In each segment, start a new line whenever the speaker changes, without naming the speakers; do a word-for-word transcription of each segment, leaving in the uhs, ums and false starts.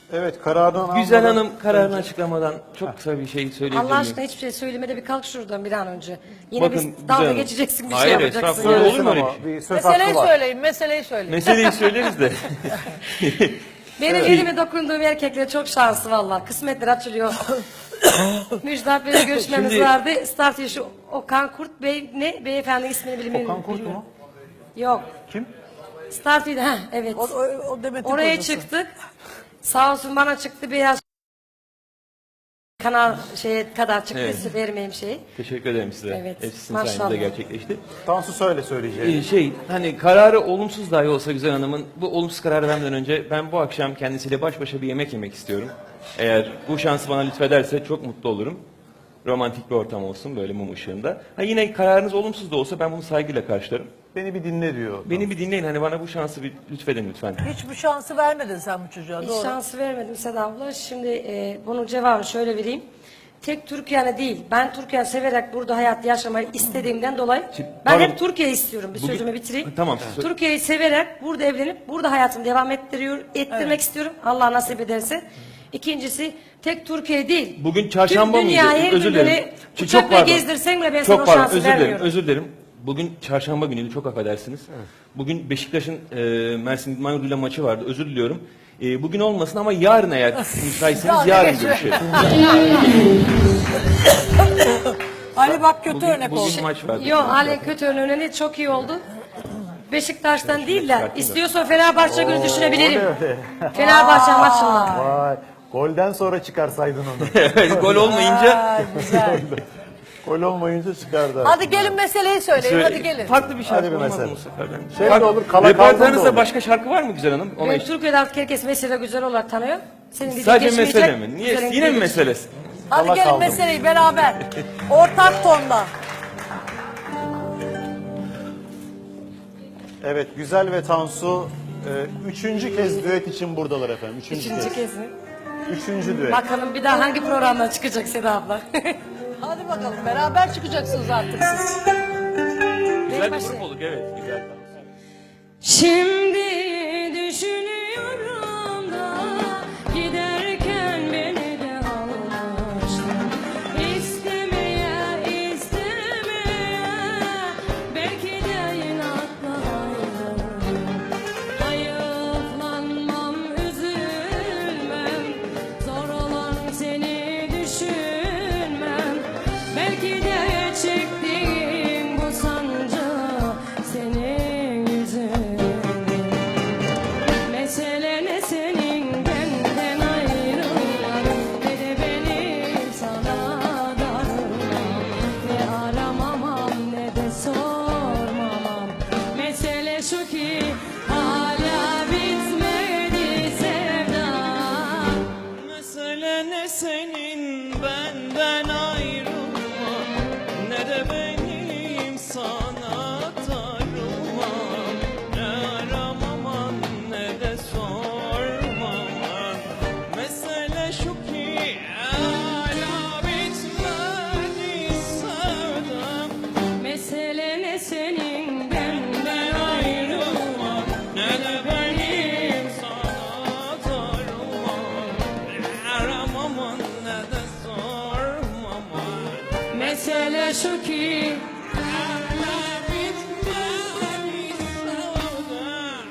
Evet, kararını
Güzel
almadan
Hanım kararını
önce-
açıklamadan çok kısa bir şey söyleyebilir
Allah
miyim?
aşkına hiçbir şey söylemede bir kalk şuradan bir an önce. Yine
Bakın,
biz
Güzel
dalga
Hanım.
geçeceksin bir
Hayır,
şey yapacaksın.
estağfurullah.
yani.
Olur
Söylesin
mu öyle
ama
bir şey?
bir söz
Meseleyi
hakkı var.
söyleyin, meseleyi söyleyin.
Meseleyi söyleriz de.
Benim elime dokunduğum erkekler çok şanslı vallahi. Kısmetler açılıyor. Müjdat Bey'le görüşmemiz
Şimdi-
vardı. Start şu Okan Kurt Bey ne? Beyefendi ismini bilmiyorum.
Okan Kurt mu?
Yok.
Kim?
Start ha evet.
O, o, o Demet'in
Oraya
kocası.
çıktık. Sağ olsun bana çıktı beyaz kanal şeye kadar çıktı.
Evet.
Size vermeyeyim şeyi.
Teşekkür ederim size.
Evet,
Hepsi sizin
maşallah.
sayenizde gerçekleşti.
Tansu söyle söyleyeceğini.
Ee, şey hani kararı olumsuz dahi olsa Güzel Hanım'ın bu olumsuz kararı vermeden önce ben bu akşam kendisiyle baş başa bir yemek yemek istiyorum. Eğer bu şansı bana lütfederse çok mutlu olurum. Romantik bir ortam olsun böyle mum ışığında. Ha yine kararınız olumsuz da olsa ben bunu saygıyla karşılarım.
Beni bir dinle diyor.
Beni bir dinleyin hani bana bu şansı bir lütfedin lütfen.
Hiç bu şansı vermedin sen bu çocuğa,
Hiç
doğru.
şansı vermedim Seda abla. Şimdi e, bunun cevabını şöyle vereyim. Tek Türkiye'ne değil. Ben Türkiye severek burada hayat yaşamayı istediğimden dolayı
Şimdi,
ben
pardon.
hep Türkiye istiyorum. Bir
Bugün-
sözümü bitireyim.
Tamam, siz-
Türkiye'yi severek burada evlenip burada hayatımı devam ettiriyor, ettirmek istiyorum. Allah nasip ederse. İkincisi tek Türkiye değil.
Bugün çarşamba
Tüm
mıydı?
dünyayı
Özür
böyle
dilerim. Çok
uçakla
pardon.
gezdirsen bile ben sana o
Çok pardon.
şansı
Özür dilerim.
vermiyorum.
Özür dilerim. Bugün çarşamba günüydü. Çok affedersiniz. Bugün Beşiktaş'ın e, Mersin İdman Yurdu'yla maçı vardı. Özür diliyorum. E, bugün olmasın ama yarın eğer müsaitseniz
Ya,
yarın
ne
görüşelim.
Ali bak kötü
Bugün,
örnek oldu.
bugün maç vardı.
Yok Ali kötü önüne çok iyi oldu. Beşiktaş'tan değil de istiyorsa Fenerbahçe günü düşünebilirim. Fenerbahçe maçında.
Vay. Golden sonra çıkarsaydın onu.
Gol olmayınca
Ha, güzel.
Gol olmayınca çıkardı.
Hadi gelin meseleyi söyleyin, hadi gelin.
farklı bir şarkı
Hadi bir
olmaz mı
mesele.
bu sefer? Ben-
Şey
Fark-
de olur, kala kaldım da
Repertuarınızda
olur.
başka şarkı var mı Güzel Hanım? Ona
Ben
hiç-
Türkiye'de artık herkes mesele güzel olarak tanıyor. Senin dediğin
Sadece
geçmeyecek,
mesele mi? Niye?
güzelin
Yine mi
dediği
meselesi?
Hadi
Kala
gelin
kaldım.
meseleyi beraber. Ortak tonda.
Evet, Güzel ve Tansu e, üçüncü kez düet için buradalar efendim. Üçüncü,
Üçüncü
kez.
kez mi?
Üçüncü düet.
Bakalım bir daha hangi programdan çıkacak Seda abla.
Hadi bakalım, beraber çıkacaksınız artık siz.
Güzel bir
başlayayım.
grup olduk evet. Güzel.
Şimdi düşünüyorum da giderken beni de almıştın. İstemeye istemeye belki de inatlaydım. Hayıflanmam, üzülmem, zor olan seni düşünmem. Belki de çektiğim bu sancı senin yüzünden. Mesele ne senin benden ayrılman, ne de benim sana darılmam. Ne aramamam ne de sormamam. Mesele şu ki hala bitmedi sevdam.
Mesele ne senin benden ayrılman, ne de benim sana darılmam. Ne aramaman ne de sormaman. Mesele şu ki hala bitmedi sevdam.
Mesele ne senin benden
Ayrılmam ne de benim sana darılmam. Ne aramaman ne de sormaman.
Mesele şu ki
Hala bitmedi sevdam.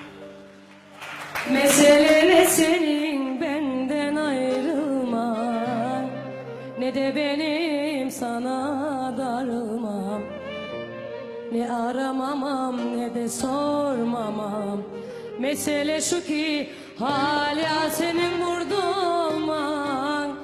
mesele ne senin benden ayrılman, ne de benim sana darılmam. Ne aramamam ne de sormamam. Mesele şu ki hala senin burada olman.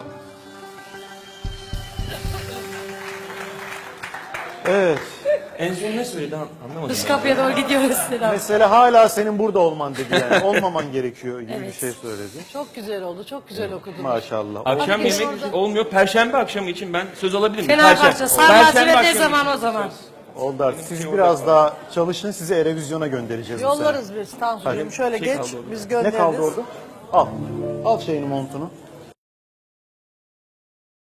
Evet.
En son ne söyledi an- anlamadım.
Dış kapıya doğru gidiyoruz Seda.
Mesele hala senin burada olman dedi yani. Olmaman gerekiyor gibi bir
Evet.
şey söyledi.
Çok güzel oldu, çok güzel okudunuz.
Maşallah.
Akşam
Hadi
yemek
orada.
olmuyor. Perşembe akşamı için ben söz alabilir miyim?
Fenerbahçe, Sarılaçı ve ne
akşamı
zaman
için
o zaman?
Oldu artık. Siz biraz daha çalışın, sizi Erevizyon'a göndereceğiz bu sene.
Yollarız biz Tansu'cum. Şöyle
Şey
geç,
kaldı orada.
biz
Ne
göndeririz.
kaldı orada? Al. Al şeyini montunu.